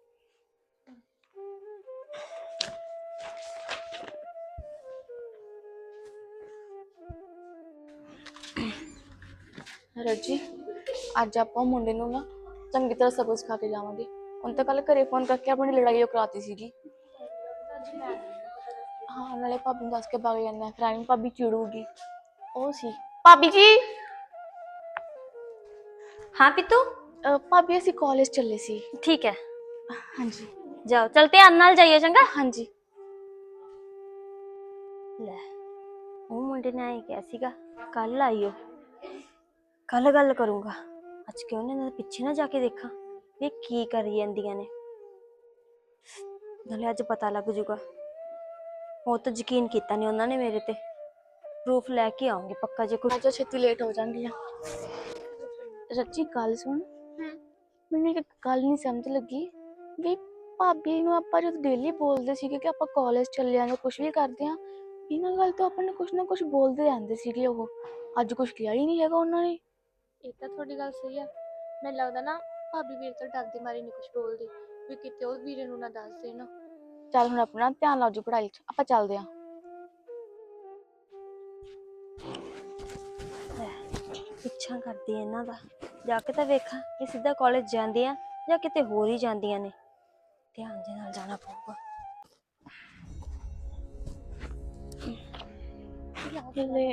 Speaker 1: ਰੱਜੀ, ਅੱਜ ਆਪਾਂ ਉਹ ਮੁੰਡੇ ਨੂੰ ਨਾ ਚੰਗੀ ਤਰ੍ਹਾਂ ਸਬਕ ਸਿਖਾ ਕੇ ਜਾਵਾਂਗੇ। ਹੁਣ ਤਾਂ ਕੱਲ ਘਰੇ ਫੋਨ ਕਰਕੇ ਆਪਣੀ ਲੜਾਈ ਉਹ ਕਰਾਤੀ ਸੀਗੀ। ਹਾਂ, ਨਾਲੇ ਭਾਬੀ ਨੂੰ ਦੱਸ ਕੇ ਭਾਗ ਜਾਂਦਾ, ਫਿਰ ਐਵੇਂ ਭਾਬੀ ਚਿੜੂਗੀ। ਉਹ ਸੀ ਭਾਬੀ ਜੀ।
Speaker 3: ਹਾਂ ਪਿੱਤੂ,
Speaker 1: ਅਹ ਭਾਬੀ ਅਸੀਂ ਕਾਲਜ ਚੱਲੇ ਸੀ।
Speaker 3: ਠੀਕ ਹੈ
Speaker 1: ਹਾਂਜੀ
Speaker 3: ਜਾਓ, ਚਲ ਧਿਆਨ ਨਾਲ ਜਾਈਏ ਚੰਗਾ।
Speaker 1: ਹਾਂਜੀ।
Speaker 3: ਲੈ ਉਹ ਮੁੰਡੇ ਨੇ ਆਏ ਕਿਹਾ ਸੀਗਾ ਕੱਲ ਆਈਓ, ਕੱਲ ਗੱਲ ਕਰੂੰਗਾ। ਅੱਜ ਕਿਉਂ ਨੇ ਇਹਨਾਂ ਦੇ ਪਿੱਛੇ ਨਾ ਜਾ ਕੇ ਦੇਖਾਂ ਵੀ ਕੀ ਕਰੀ ਜਾਂਦੀਆਂ ਨੇ, ਨਾਲੇ ਅੱਜ ਪਤਾ ਲੱਗ ਜੂਗਾ। ਉਹ ਤਾਂ ਯਕੀਨ ਕੀਤਾ ਨਹੀਂ ਉਹਨਾਂ ਨੇ ਮੇਰੇ ਤੇ। ਪ੍ਰੂਫ ਲੈ ਕੇ ਆਉਂਗੀ ਪੱਕਾ ਜੇ ਕੋਈ।
Speaker 1: ਅੱਜ ਛੇਤੀ ਲੇਟ ਹੋ ਜਾਂਗੀ ਆ। ਰੱਜੀ ਗੱਲ ਸੁਣ, ਮੈਨੂੰ ਇੱਕ ਗੱਲ ਨਹੀਂ ਸਮਝ ਲੱਗੀ ਵੀ ਭਾਬੀ ਨੂੰ ਆਪਾਂ ਜਦ ਡੇਲੀ ਬੋਲਦੇ ਸੀਗੇ ਕਿ ਆਪਾਂ ਕਾਲਜ ਚੱਲੇ ਆਂ ਜਾਂ ਕੁਝ ਵੀ ਕਰਦੇ ਆਂ, ਇਹਨਾਂ ਗੱਲ ਤੋਂ ਆਪਾਂ ਨੂੰ ਕੁਝ ਨਾ ਕੁਝ ਬੋਲਦੇ ਰਹਿੰਦੇ ਸੀਗੇ। ਉਹ ਅੱਜ ਕੁਝ ਕਿਹਾ ਹੀ ਨਹੀਂ ਹੈਗਾ ਉਹਨਾਂ ਨੇ।
Speaker 6: ਇਹ ਤਾਂ ਤੁਹਾਡੀ ਗੱਲ ਸਹੀ ਆ। ਮੈਨੂੰ ਲੱਗਦਾ ਨਾ ਭਾਬੀ ਵੀਰੇ ਤੋਂ ਡਰਦੀ ਮਾਰੀ ਨਹੀਂ ਕੁਝ ਬੋਲਦੀ, ਵੀ ਕਿਤੇ ਉਹ ਵੀਰੇ ਨੂੰ ਨਾ ਦੱਸ ਦੇਣ।
Speaker 1: ਚੱਲ ਹੁਣ ਆਪਣਾ ਧਿਆਨ ਲਾਓ ਜੀ ਪੜ੍ਹਾਈ 'ਚ, ਆਪਾਂ ਚੱਲਦੇ ਆਂ।
Speaker 3: ਪਿੱਛਾ ਕਰਦੀ ਆ ਇਹਨਾਂ ਦਾ, ਜਾ ਕੇ ਤਾਂ ਵੇਖਾਂ ਇਹ ਸਿੱਧਾ ਕਾਲਜ ਜਾਂਦੇ ਆ ਜਾਂ ਕਿਤੇ ਹੋਰ ਹੀ ਜਾਂਦੀਆਂ ਨੇ। ਧਿਆਨ ਦੇ ਨਾਲ ਜਾਣਾ ਪਊਗਾ।
Speaker 1: ਹਲੇ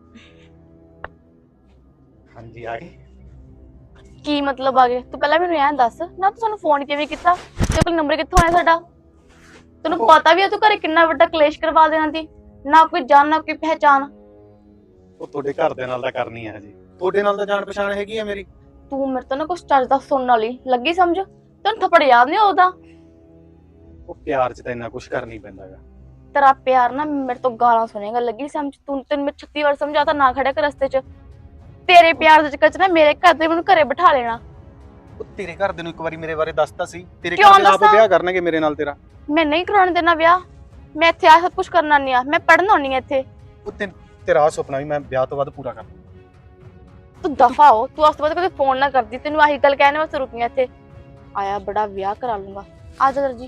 Speaker 4: ਹਾਂਜੀ ਆ ਗਈ।
Speaker 1: ਕੀ ਮਤਲਬ ਆ ਗਏ? ਤੂੰ ਪਹਿਲਾਂ ਮੈਨੂੰ ਐਂ ਦੱਸ ਨਾ, ਤੂੰ ਸਾਨੂੰ ਫੋਨ ਕਿਵੇਂ ਕੀਤਾ? ਤੇਰੇ ਕੋਲ ਨੰਬਰ ਕਿੱਥੋਂ ਆਇਆ ਸਾਡਾ? ਤੈਨੂੰ ਪਤਾ ਵੀ ਆ ਤੂੰ ਘਰੇ ਕਿੰਨਾ ਵੱਡਾ ਕਲੇਸ਼ ਕਰਵਾ ਦੇਣਾ ਸੀ। ਨਾ ਕੋਈ ਜਾਣ ਨਾ ਕੋਈ ਪਹਿਚਾਣ।
Speaker 4: ਉਹ ਤੁਹਾਡੇ ਘਰ ਦੇ ਨਾਲ ਤਾਂ ਕਰਨੀ ਹੈ ਜੀ, ਤੁਹਾਡੇ ਨਾਲ ਤਾਂ ਜਾਣ ਪਛਾਣ ਹੈਗੀ ਆ ਮੇਰੀ।
Speaker 1: ਤੂੰ ਮੇਰੇ ਤੋਂ ਨਾ ਕੁਛ ਚੱਜਦਾ ਸੁਣਨ ਵਾਲੀ ਲੱਗੀ ਸਮਝ। ਤੈਨੂੰ ਥੱਪੜ ਯਾਦ ਨਹੀਂ ਉਹਦਾ?
Speaker 4: ਉਹ ਪਿਆਰ 'ਚ ਤਾਂ ਇੰਨਾ ਕੁਝ ਕਰ ਨਹੀਂ ਪੈਂਦਾਗਾ।
Speaker 1: ਤੇਰਾ ਪਿਆਰ ਨਾ ਮੇਰੇ ਤੋਂ ਗਾਲਾਂ ਸੁਣੇਗਾ, ਲੱਗੀ ਸਮਝ। ਤੂੰ ਤੈਨੂੰ ਮੈਂ ਛੱਤੀ ਵਾਰ ਸਮਝਾਤਾ ਨਾ ਖੜਿਆ ਕਰ ਰਸਤੇ 'ਚ। ਤੇਰੇ ਪਿਆਰ ਦੇ ਚੱਕਰ 'ਚ ਨਾ ਮੇਰੇ ਘਰ ਦੇ ਮੈਨੂੰ ਘਰੇ ਬਿਠਾ ਲੈਣਾ।
Speaker 4: ਉਹ ਤੇਰੇ ਘਰ ਦੇ ਨੂੰ ਇੱਕ ਵਾਰੀ ਮੇਰੇ ਬਾਰੇ ਦੱਸਤਾ ਸੀ, ਤੇਰੇ
Speaker 1: ਕਿਉਂ
Speaker 4: ਘਰ ਦੇ ਆਪ
Speaker 1: ਦੱਸਾਂ?
Speaker 4: ਵਿਆਹ ਕਰਨਗੇ ਮੇਰੇ ਨਾਲ ਤੇਰਾ।
Speaker 1: ਮੈਂ ਨਹੀਂ ਕਰਾਉਣ ਦੇਣਾ ਵਿਆਹ। ਮੈਂ ਇੱਥੇ ਆ ਸਭ ਕੁਝ ਕਰਨਾ ਨਹੀਂ ਆ, ਮੈਂ ਪੜ੍ਹਨ ਆਉਣੀ ਆ ਇੱਥੇ।
Speaker 4: ਉਹ ਤੇ ਤੇਰਾ ਆਹ ਸੁਪਨਾ ਵੀ ਮੈਂ ਵਿਆਹ ਤੋਂ ਬਾਅਦ ਪੂਰਾ ਕਰ ਦੂੰ।
Speaker 1: ਤੂੰ ਦਫਾ ਹੋ, ਤੂੰ ਉਸ ਤੋਂ ਬਾਅਦ ਕਦੇ ਫੋਨ ਨਾ ਕਰਦੀ। ਤੈਨੂੰ ਆਹੀ ਗੱਲ ਕਹਿਣ ਵਾਸਤੇ ਰੁਕੀ ਆ ਇੱਥੇ। ਆਇਆ ਬੜਾ ਵਿਆਹ ਕਰਾ ਲੂੰਗਾ। ਆ ਜਾ ਦਰਜੀ।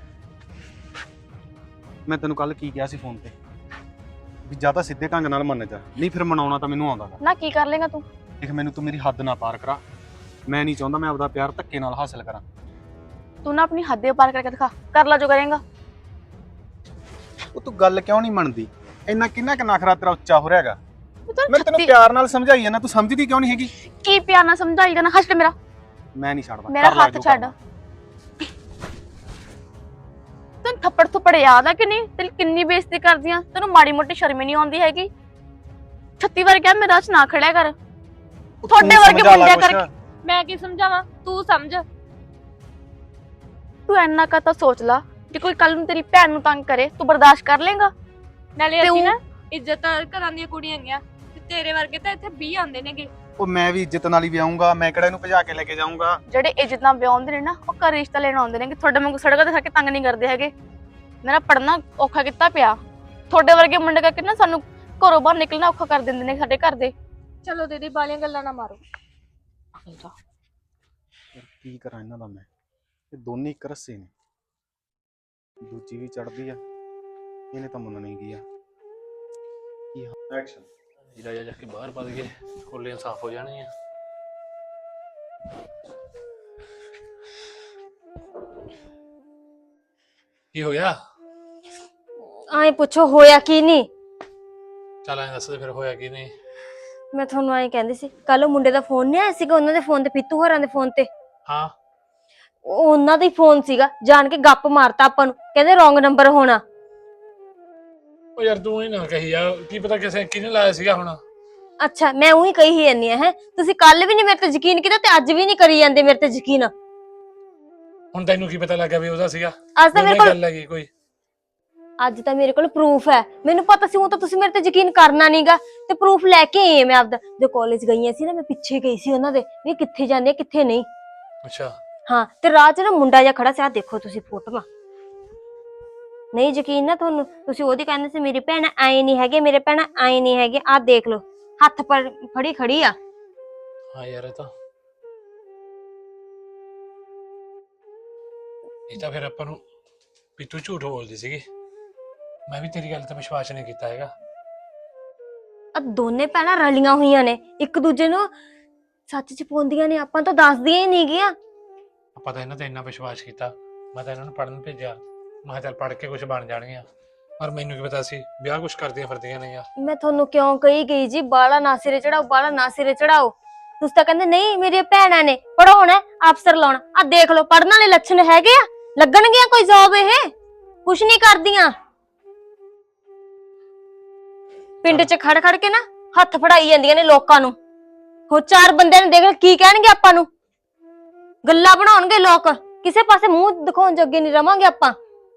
Speaker 4: ਮੈਂ ਤੈਨੂੰ ਕੱਲ ਕੀ ਕਿਹਾ ਸੀ ਫੋਨ ਤੇ, ਵੀ ਜਾਂ ਤਾਂ ਸਿੱਧੇ ਢੰਗ ਨਾਲ ਮੰਨ ਜਾ, ਨਹੀਂ ਫਿਰ ਮਨਾਉਣਾ ਤਾਂ ਮੈਨੂੰ ਆਉਂਦਾ ਗਾ।
Speaker 1: ਨਾ ਕੀ ਕਰ ਲੇਗਾ ਤੂੰ?
Speaker 4: ਦੇਖ ਮੈਨੂੰ ਤੂੰ ਮੇਰੀ ਹੱਦ ਨਾ ਪਾਰ ਕਰਾ। ਮੈਂ ਨਹੀਂ ਚਾਹੁੰਦਾ ਮੈਂ ਆਪਦਾ ਪਿਆਰ ਧੱਕੇ ਨਾਲ ਹਾਸਿਲ ਕਰਾਂ।
Speaker 1: ਤੂੰ ਨਾ ਆਪਣੀ ਹੱਦ ਪਾਰ ਕਰਕੇ ਦਿਖਾ, ਕਰ ਲਾ ਜੋ ਕਰੇਗਾ।
Speaker 4: ਉਹ ਤੂੰ ਗੱਲ ਕਿਉਂ ਨਹੀਂ ਮੰਨਦੀ? ਇੰਨਾ ਕਿੰਨਾ ਕੁ ਨਖਰਾ ਤੇਰਾ ਉੱਚਾ ਹੋ ਰਿਹਾਗਾ।
Speaker 1: ਤੂੰ ਤਾਂ
Speaker 4: ਮੈਂ ਤੈਨੂੰ
Speaker 1: ਛੱਤੀ-
Speaker 4: ਪਿਆਰ ਨਾਲ ਸਮਝਾਈ ਜਾਂਦਾ, ਤੂੰ ਸਮਝਦੀ ਕਿਉਂ ਨਹੀਂ ਹੈਗੀ?
Speaker 1: ਕੀ ਪਿਆਰ ਨਾਲ ਸਮਝਾਈ ਜਾਣਾ? ਹੱਟ ਮੇਰਾ
Speaker 4: ਮੈਂ ਨਹੀਂ ਛੱਡਦਾ।
Speaker 1: ਮੇਰਾ
Speaker 4: ਕਰ ਲੈ
Speaker 1: ਹੱਥ
Speaker 4: ਜੋ
Speaker 1: ਛੱਡ।
Speaker 4: ਕਰਨਾ।
Speaker 1: ਤੈਨੂੰ ਥੱਪੜ ਥੁੱਪੜ ਯਾਦ ਆ ਕਿ ਨਹੀਂ? ਤੇਰੀ ਕਿੰਨੀ ਬੇਇੱਜ਼ਤੀ ਕਰਦੀਆਂ। ਤੈਨੂੰ ਮਾੜੀ ਮੋਟੀ ਸ਼ਰਮ ਹੀ ਨਹੀਂ ਆਉਂਦੀ ਹੈਗੀ। ਛੱਤੀ ਵਾਰ ਕਿਹਾ ਮੇਰੇ ਰਾਹ 'ਚ ਨਾ ਖੜਿਆ ਕਰ।
Speaker 4: ਉਹ
Speaker 1: ਤੁਹਾਡੇ
Speaker 4: ਤੂੰ
Speaker 1: ਵਰਗੇ
Speaker 4: ਸਮਝਾ ਲੈ
Speaker 1: ਮੁੰਡਿਆਂ
Speaker 4: ਕੁਛ।
Speaker 1: ਕਰਕੇ।
Speaker 6: ਮੈਂ ਕੀ ਸਮਝਾਵਾਂ, ਤੂੰ ਸਮਝ।
Speaker 1: ਤੂੰ ਇੰਨਾ ਕਾ ਤਾਂ ਸੋਚ ਲਾ, ਜੇ ਕੋਈ ਕੱਲ ਨੂੰ ਤੇਰੀ ਭੈਣ ਨੂੰ ਤੰਗ ਕਰੇ ਤੂੰ ਬਰਦਾਸ਼ਤ ਕਰ ਲੇਗਾ?
Speaker 6: ਨਾਲੇ
Speaker 1: ਤੇ
Speaker 6: ਅਸੀਂ
Speaker 1: ਉਹ-
Speaker 6: ਨਾ ਇੱਜ਼ਤ ਘਰਾਂ ਦੀਆਂ ਕੁੜੀਆਂ ਹੈਗੀਆਂ, ਤੇ ਤੇਰੇ ਵਰਗੇ ਤਾਂ ਇੱਥੇ ਵੀਹ ਆਉਂਦੇ ਨੇਗੇ।
Speaker 7: ਉਹ ਮੈਂ ਵੀ ਇੱਜ਼ਤ ਨਾਲ ਹੀ ਵਿਆਹੂੰਗਾ, ਮੈਂ ਕਿਹੜਾ ਇਹਨੂੰ ਭਜਾ ਕੇ ਲੈ ਕੇ ਜਾਊਂਗਾ।
Speaker 1: ਜਿਹੜੇ ਇੱਜ਼ਤ ਨਾਲ ਵਿਆਹੁੰਦੇ ਨੇ ਨਾ ਉਹ ਘਰ ਰਿਸ਼ਤਾ ਲੈਣ ਆਉਂਦੇ ਨੇ ਕਿ ਤੁਹਾਡੇ ਵਾਂਗੂ ਸੜਕਾਂ ਤੇ ਖੜ ਕੇ ਤੰਗ ਨਹੀਂ ਕਰਦੇ ਹੈਗੇ। ਮੇਰਾ ਪੜਨਾ ਔਖਾ ਕੀਤਾ ਪਿਆ, ਤੁਹਾਡੇ ਵਰਗੇ ਮੁੰਡੇ ਕਰਕੇ ਨਾ ਸਾਨੂੰ ਘਰੋਂ ਬਾਹਰ ਨਿਕਲਣਾ ਔਖਾ ਕਰ ਦਿੰਦੇ ਨੇ ਸਾਡੇ ਘਰ ਦੇ।
Speaker 6: ਚਲੋ ਦੀਦੀ ਬਾਲੀਆਂ ਗੱਲਾਂ ਨਾ ਮਾਰੋ।
Speaker 7: ਯਾਰ ਕੀ ਕਰਾਂ ਇਹਨਾਂ ਦਾ ਮੈਂ, ਇਹ ਦੋਨੇ ਇੱਕ ਰੱਸੇ ਨੇ, ਦੂਜੀ ਵੀ ਚੜਦੀ ਆ, ਇਹਨੇ ਤਾਂ ਮੰਨਣੀ ਕੀ ਆ। ਕੀ ਐਕਸ਼ਨ
Speaker 2: ਜੀਰਾ ਜਾ ਕੇ ਬਾਹਰ ਵੱਧ ਗਏ, ਕੋਲੀਆਂ ਸਾਫ਼ ਹੋ ਜਾਣਗੀਆਂ। ਕੀ ਹੋ ਗਿਆ?
Speaker 3: ਆਏ ਪੁੱਛੋ ਹੋਇਆ ਕੀ ਨਹੀਂ।
Speaker 2: ਚੱਲ ਐਂ ਦੱਸ ਦੇ ਫਿਰ ਹੋਇਆ ਕੀ ਨਹੀਂ।
Speaker 3: ਮੈਂ ਤੁਹਾਨੂੰ ਐਂ ਕਹਿੰਦੀ ਸੀ, ਕੱਲ ਉਹ ਮੁੰਡੇ ਦਾ ਫੋਨ ਨਹੀਂ ਆਇਆ ਸੀਗਾ ਉਹਨਾਂ ਦੇ ਫੋਨ ਤੇ, ਪੀਤੂ ਹੋਰਾਂ ਦੇ ਫੋਨ ਤੇ।
Speaker 2: ਹਾਂ
Speaker 3: ਉਹ ਉਹਨਾਂ ਦਾ ਹੀ ਫੋਨ ਸੀਗਾ, ਜਾਣ ਕੇ ਗੱਪ ਮਾਰਤਾ ਆਪਾਂ ਨੂੰ, ਕਹਿੰਦੇ ਰੋਂਗ ਨੰਬਰ ਹੋਣਾ।
Speaker 2: ਉਹ ਯਾਰ ਤੂੰ ਹੀ ਨਾ ਕਹੀ ਯਾਰ, ਕੀ ਪਤਾ ਕਿਸੇ ਕਿਹਨੇ ਲਾਇਆ ਸੀਗਾ ਹੁਣ।
Speaker 3: ਅੱਛਾ ਮੈਂ ਉਹੀ ਕਹੀ ਹੀ ਜਾਂਦੀ ਆ ਹੈ, ਤੁਸੀਂ ਕੱਲ ਵੀ ਨਹੀਂ ਮੇਰੇ ਤੇ ਯਕੀਨ ਕੀਤਾ ਤੇ ਅੱਜ ਵੀ ਨਹੀਂ ਕਰੀ ਜਾਂਦੇ ਮੇਰੇ ਤੇ ਯਕੀਨ।
Speaker 2: ਹੁਣ ਤੈਨੂੰ ਕੀ ਪਤਾ ਲੱਗਾ ਵੀ ਉਹਦਾ ਸੀਗਾ?
Speaker 3: ਅੱਜ ਤਾਂ ਮੇਰੇ ਕੋਲ
Speaker 2: ਗੱਲ ਹੈਗੀ ਕੋਈ?
Speaker 3: ਅੱਜ ਤਾਂ ਮੇਰੇ ਕੋਲ ਪ੍ਰੂਫ ਹੈ, ਮੈਨੂੰ ਪਤਾ ਸੀ ਉਹ ਤਾਂ ਤੁਸੀਂ ਮੇਰੇ ਤੇ ਯਕੀਨ ਕਰਨਾ ਨਹੀਂਗਾ, ਤੇ ਪ੍ਰੂਫ ਲੈ ਕੇ ਆਈ ਮੈਂ ਆਪਦਾ। ਜੋ ਕਾਲਜ ਗਈਆਂ ਸੀ ਨਾ, ਮੈਂ ਪਿੱਛੇ ਗਈ ਸੀ ਉਹਨਾਂ ਦੇ ਵੀ ਕਿੱਥੇ ਜਾਂਦੇ ਆ ਕਿੱਥੇ ਨਹੀਂ।
Speaker 2: ਅੱਛਾ
Speaker 3: ਹਾਂ, ਤੇ ਰਾਹ 'ਚ ਨਾ ਮੁੰਡਾ ਜਿਹਾ ਖੜਾ ਸੀ, ਆਹ ਦੇਖੋ ਤੁਸੀਂ ਫੋਟੋਆਂ। ਨਹੀਂ ਯਕੀਨ ਨਾ ਤੁਹਾਨੂੰ, ਤੁਸੀਂ ਉਹਦੀ ਕਹਿੰਦੇ ਸੀ ਮੇਰੀ ਭੈਣ ਆਏ ਨਹੀਂ ਹੈਗੇ, ਮੇਰੇ ਭੈਣ ਆਏ ਨਹੀਂ ਹੈਗੇ, ਆਹ ਦੇਖ ਲਓ ਹੱਥ ਪਰ ਫੜੀ ਖੜੀ ਆ।
Speaker 2: ਹਾਂ ਯਾਰ ਇਹ ਤਾਂ ਇਹ ਤਾਂ ਫਿਰ ਆਪਾਂ ਨੂੰ ਵੀ ਤੂੰ ਝੂਠ ਬੋਲਦੀ ਸੀਗੀ। ਮੈਂ ਵੀ ਤੇਰੀ ਗੱਲ ਤੇ ਵਿਸ਼ਵਾਸ ਨਹੀਂ ਕੀਤਾ ਹੈਗਾ।
Speaker 3: ਆ ਦੋਨੇ ਭੈਣਾਂ ਰਲੀਆਂ ਹੋਈਆਂ ਨੇ, ਇੱਕ ਦੂਜੇ ਨੂੰ ਸੱਚ ਚ ਪਾਉਂਦੀਆਂ ਨੇ, ਆਪਾਂ ਤਾਂ ਦੱਸਦੀਆਂ ਹੀ ਨਹੀਂ ਗੀਆਂ।
Speaker 2: ਆਪਾਂ ਤਾਂ ਇਹਨਾਂ ਤੇ ਇੰਨਾ ਵਿਸ਼ਵਾਸ ਕੀਤਾ, ਮੈਂ ਤਾਂ ਇਹਨਾਂ ਨੂੰ ਪੜ੍ਹਨ ਭੇਜਿਆ, ਮੈਂ ਕਿਹਾ ਚੱਲ ਪੜ੍ਹ ਕੇ ਕੁਝ ਬਣ ਜਾਣਗੀਆਂ, ਪਰ ਮੈਨੂੰ ਕੀ ਪਤਾ ਸੀ ਵਿਆਹ ਕੁਝ ਕਰਦੀਆਂ ਫਿਰਦੀਆਂ ਨਹੀਂ ਆ।
Speaker 3: ਮੈਂ ਤੁਹਾਨੂੰ ਕਿਉਂ ਕਹੀ ਗਈ ਜੀ ਬਾਲਾ ਨਾ ਸਿਰੇ ਚੜਾਓ, ਬਾਲਾ ਨਾ ਸਿਰੇ ਚੜਾਓ। ਤੁਸੀਂ ਤਾਂ ਕਹਿੰਦੇ ਨਹੀਂ ਮੇਰੀਆਂ ਭੈਣਾਂ ਨੇ ਪੜਾਉਣਾ, ਅਫਸਰ ਲਾਉਣਾ। ਆ ਦੇਖ ਲਓ ਪੜਨ ਵਾਲੇ ਲੱਛਣ ਹੈਗੇ ਆ, ਲੱਗਣਗੀਆਂ ਕੋਈ ਜੌਬ? ਇਹ ਕੁਛ ਨਹੀਂ ਕਰਦੀਆਂ, ਪਿੰਡ 'ਚ ਖੜ ਖੜ ਕੇ ਨਾ ਹੱਥ ਫੜਾਈ ਜਾਂਦੀਆਂ ਨੇ ਲੋਕਾਂ ਨੂੰ। ਹੋ ਚਾਰ ਬੰਦਿਆਂ ਨੇ ਦੇਖ ਕੀ ਕਹਿਣਗੇ ਆਪਾਂ ਨੂੰ, ਗੱਲਾਂ ਬਣਾਉਣਗੇ ਲੋਕ, ਕਿਸੇ ਪਾਸੇ ਮੂੰਹ ਦਿਖਾਉਣ ਜੋਗੇ ਨਹੀਂ ਰਵਾਂਗੇ ਆਪਾਂ।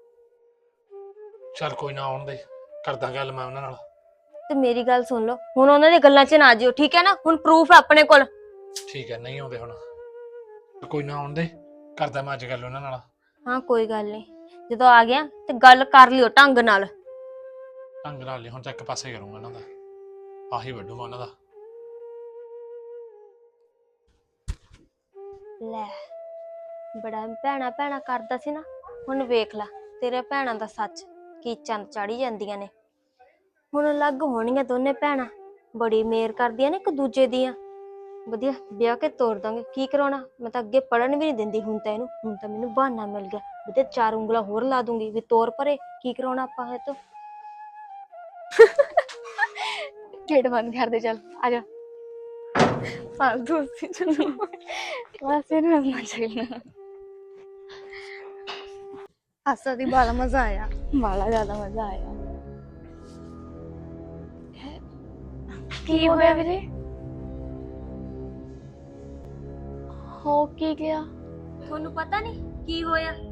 Speaker 2: ਚੱਲ ਕੋਈ ਨਾ, ਆਉਣ ਦੇ, ਕਰਦਾ ਗੱਲ ਮੈਂ ਉਹਨਾਂ ਨਾਲ।
Speaker 3: ਤੇ ਮੇਰੀ ਗੱਲ ਸੁਣ ਲਓ, ਹੁਣ ਉਹਨਾਂ ਦੇ ਗੱਲਾਂ 'ਚ ਨਾ ਜਿਓ, ਠੀਕ ਹੈ ਨਾ? ਹੁਣ ਪ੍ਰੂਫ ਹੈ ਆਪਣੇ ਕੋਲ।
Speaker 2: ਠੀਕ ਹੈ, ਨਹੀਂ ਆਉਂਦੇ ਹੁਣ, ਕੋਈ ਨਾ ਆਉਣ ਦੇ, ਕਰਦਾ ਮੈਂ ਅੱਜ ਗੱਲ ਉਹਨਾਂ ਨਾਲ।
Speaker 3: ਹਾਂ ਕੋਈ ਗੱਲ ਨਹੀਂ, ਜਦੋਂ ਆ ਗਿਆ ਤੇ ਗੱਲ ਕਰ ਲਿਓ ਢੰਗ ਨਾਲ।
Speaker 2: ਢੰਗ ਨਾਲ ਨਹੀਂ, ਹੁਣ ਤਾਂ ਇੱਕ ਪਾਸੇ ਕਰੂੰਗਾ ਇਹਨਾਂ ਦਾ, ਆਹੀ ਵੱਢੂਗਾ ਉਹਨਾਂ ਦਾ।
Speaker 3: ਲੈ ਬੜਾ ਭੈਣਾ ਭੈਣਾ ਕਰਦਾ ਸੀ ਨਾ, ਹੁਣ ਵੇਖ ਲੈ ਤੇਰੇ ਭੈਣਾਂ ਦਾ ਸੱਚ ਕੀ ਚੰਦ ਚਾੜੀ ਜਾਂਦੀਆਂ ਨੇ। ਹੁਣ ਅਲੱਗ ਹੋਣੀਆਂ ਦੋਨੇ ਭੈਣਾਂ, ਬੜੀ ਮੇਰ ਕਰਦੀਆਂ ਨੇ ਇੱਕ ਦੂਜੇ ਦੀਆਂ। ਵਧੀਆ ਵਿਆਹ ਕੇ ਤੋਰ ਦਾਂਗੇ, ਕੀ ਕਰਾਉਣਾ? ਮੈਂ ਤਾਂ ਅੱਗੇ ਪੜਨ ਵੀ ਨਹੀਂ ਦਿੰਦੀ ਹੁਣ ਤਾਂ ਇਹਨੂੰ, ਹੁਣ ਤਾਂ ਮੈਨੂੰ ਬਹਾਨਾ ਮਿਲ ਗਿਆ, ਵਧੀਆ ਚਾਰ ਉਂਗਲਾਂ ਹੋਰ ਲਾ ਦੂੰਗੀ ਵੀ ਤੋਰ ਪਰੇ, ਕੀ ਕਰਾਉਣਾ ਆਪਾਂ ਇਹ ਤੋਂ।
Speaker 1: ਗੇਟ ਬੰਦ ਕਰ ਦੇ, ਚੱਲ ਆ ਜਾ। ਫਾਲਤੂ ਸੀ ਚਲੋ ਬਸ ਇਹਨੂੰ ਹੱਸਣਾ ਚਾਹੀਦਾ।
Speaker 6: ਹਾਸਾ ਦੀ ਬਾਲਾ ਮਜ਼ਾ ਆਇਆ,
Speaker 1: ਬਾਲਾ ਜ਼ਿਆਦਾ ਮਜ਼ਾ ਆਇਆ। ਕੀ ਹੋਇਆ ਵੀਰੇ? ਹੋ ਕੀ ਗਿਆ?
Speaker 3: ਤੁਹਾਨੂੰ ਪਤਾ ਨਹੀਂ ਕੀ ਹੋਇਆ?